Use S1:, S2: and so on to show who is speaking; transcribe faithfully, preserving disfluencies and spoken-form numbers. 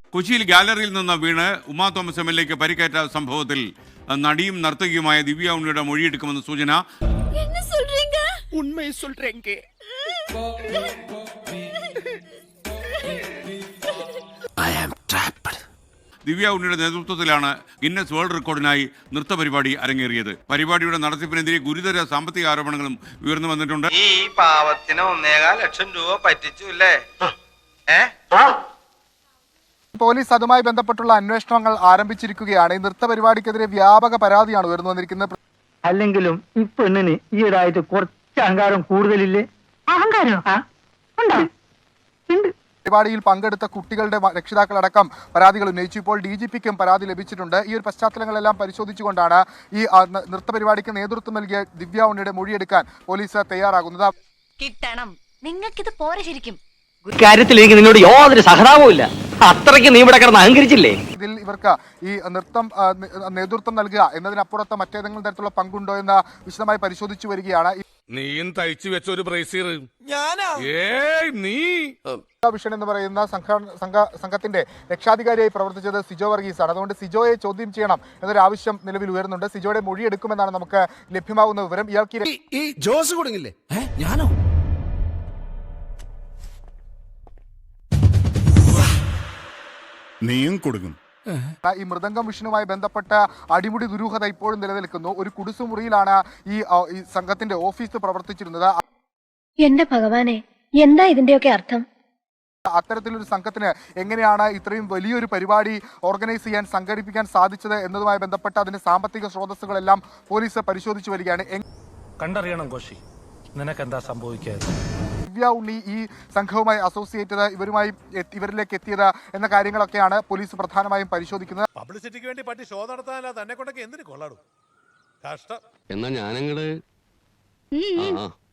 S1: കൊച്ചിയിൽ ഗാലറിയിൽ നിന്ന് വീണ് ഉമാ തോമസ് എം എൽ എക്ക് പരിക്കേറ്റ സംഭവത്തിൽ നടിയും നർത്തകിയുമായ ദിവ്യ ഉണ്ണിയുടെ മൊഴിയെടുക്കുമെന്ന് സൂചന. ദിവ്യ ഉണ്ണിയുടെ നേതൃത്വത്തിലാണ് ഗിന്നസ് വേൾഡ് റെക്കോർഡിനായി നൃത്ത പരിപാടി അരങ്ങേറിയത്. പരിപാടിയുടെ നടത്തിപ്പിനെതിരെ ഗുരുതര സാമ്പത്തിക ആരോപണങ്ങളും ഉയർന്നു വന്നിട്ടുണ്ട്.
S2: ഈ പാവത്തിന് ഒന്നേകാൽ ലക്ഷം രൂപ പറ്റിച്ചു അല്ലേ?
S3: പോലീസ് അതുമായി ബന്ധപ്പെട്ടുള്ള അന്വേഷണങ്ങൾ ആരംഭിച്ചിരിക്കുകയാണ്. ഈ നൃത്ത പരിപാടിക്കെതിരെ വ്യാപക പരാതിയാണ് ഉയർന്നു വന്നിരിക്കുന്നത്.
S4: അല്ലെങ്കിലും ഈ പെണ്ണിന് ഈയിടായിട്ട് കുറച്ച് അഹങ്കാരം കൂടുതലില്ലേ? അഹങ്കാരം
S3: പരിപാടിയിൽ പങ്കെടുത്ത കുട്ടികളുടെ രക്ഷിതാക്കളടക്കം പരാതികൾ ഉന്നയിച്ചു. ഇപ്പോൾ ഡി ജി പിക്കും പരാതി ലഭിച്ചിട്ടുണ്ട്. ഈ ഒരു പശ്ചാത്തലങ്ങളെല്ലാം പരിശോധിച്ചുകൊണ്ടാണ് ഈ നൃത്ത പരിപാടിക്ക് നേതൃത്വം നൽകിയ ദിവ്യ ഉണ്ണിയുടെ മൊഴിയെടുക്കാൻ പോലീസ് തയ്യാറാകുന്നത്.
S5: കിട്ടണം, നിങ്ങൾക്കിത് പോരെ ശരിക്കും.
S4: കാര്യത്തിൽ എനിക്ക് നിന്നോട് യാതൊരു സഹതാപവും ഇല്ല. അത്രയ്ക്ക് നീ ഇവിടെ കിടന്ന് അഹങ്കരിച്ചില്ലേ?
S3: ഇതിൽ ഇവർക്ക് ഈ നൃത്തം നേതൃത്വം നൽകുക എന്നതിനപ്പുറത്ത് മറ്റേതെങ്കിലും തരത്തിലുള്ള പങ്കുണ്ടോ എന്ന് വിശദമായി പരിശോധിച്ചു വരികയാണ്.
S6: നീയും തയ്ച്ചു വെച്ച ഒരു ബ്രേസിയർ നീ
S3: വിഷൻ എന്ന് പറയുന്ന സംഘത്തിന്റെ രക്ഷാധികാരിയായി പ്രവർത്തിച്ചത് സിജോ വർഗീസ് ആണ്. അതുകൊണ്ട് സിജോയെ ചോദ്യം ചെയ്യണം എന്നൊരു ആവശ്യം നിലവിൽ ഉയർന്നുണ്ട്. സിജോയുടെ മൊഴി എടുക്കുമെന്നാണ് നമുക്ക് ലഭ്യമാകുന്ന വിവരം. ഇയാൾക്ക്
S7: ഈ ജോസ് കൊടുങ്ങില്ലേ? ഞാനോ? നീയും കൊടുക്കും.
S3: ഈ മൃദംഗം വിഷനുമായി ബന്ധപ്പെട്ട അടിമുടി ദുരൂഹത ഇപ്പോഴും നിലനിൽക്കുന്നു. ഒരു കുടിസുമുറിയിലാണ് ഈ സംഘത്തിന്റെ ഓഫീസ് പ്രവർത്തിച്ചിരുന്നത്.
S5: എന്റെ ഭഗവാനെ, എന്താ ഇതിന്റെയൊക്കെ അർത്ഥം?
S3: അത്തരത്തിലൊരു സംഘത്തിന് എങ്ങനെയാണ് ഇത്രയും വലിയൊരു പരിപാടി ഓർഗനൈസ് ചെയ്യാൻ സംഘടിപ്പിക്കാൻ സാധിച്ചത് എന്നതുമായി ബന്ധപ്പെട്ട അതിന്റെ സാമ്പത്തിക സ്രോതസ്സുകളെല്ലാം പോലീസ് പരിശോധിച്ചു വരികയാണ്.
S8: കണ്ടറിയണം കോശി, നിനക്കെന്താ സംഭവിക്കാതെ?
S3: ദിവ്യ ഉണ്ണി ഈ സംഘവുമായി അസോസിയേറ്റ് ചെയ്ത് ഇവരുമായി ഇവരിലേക്ക് എത്തിയത് എന്ന കാര്യങ്ങളൊക്കെയാണ് പോലീസ് പ്രധാനമായും പരിശോധിക്കുന്നത്.
S7: പബ്ലിസിറ്റിക്ക് വേണ്ടി പറ്റി ഷോ നടത്താനല്ല തന്നെ കൊണ്ടൊക്കെ എന്തിനു കൊള്ളാടും? കഷ്ടം.
S9: എന്നാ ഞാനങ്ങട്